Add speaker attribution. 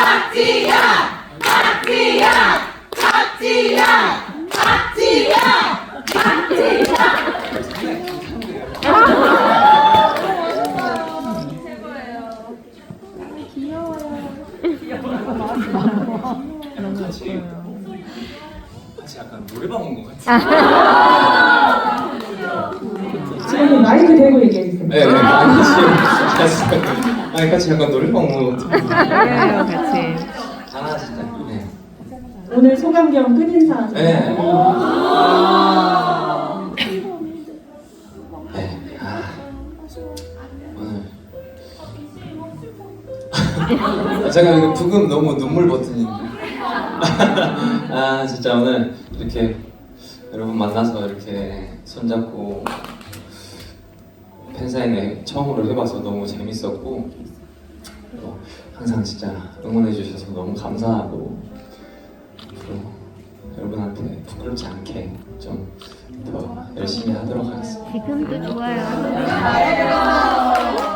Speaker 1: 같이 약간 노래방 온 것 같아요.
Speaker 2: 지금 마이크 대고 얘기해주세요.
Speaker 1: 네, 같이 약간 노래방 온 것 같아요.
Speaker 3: 그래요, 같이.
Speaker 1: 아 진짜. 네.
Speaker 2: 오늘 소감 겸 끝인사.
Speaker 1: 네. 네. 오늘 제가 이거 부금 너무 눈물 버튼인데. 아 진짜 오늘 이렇게 여러분 만나서 이렇게 손잡고 팬사인회 처음으로 해봐서 너무 재밌었고 또 항상 진짜 응원해 주셔서 너무 감사하고 앞으로 여러분한테 부끄럽지 않게 좀 더 열심히 하도록 하겠습니다.
Speaker 3: 지금도 좋아요.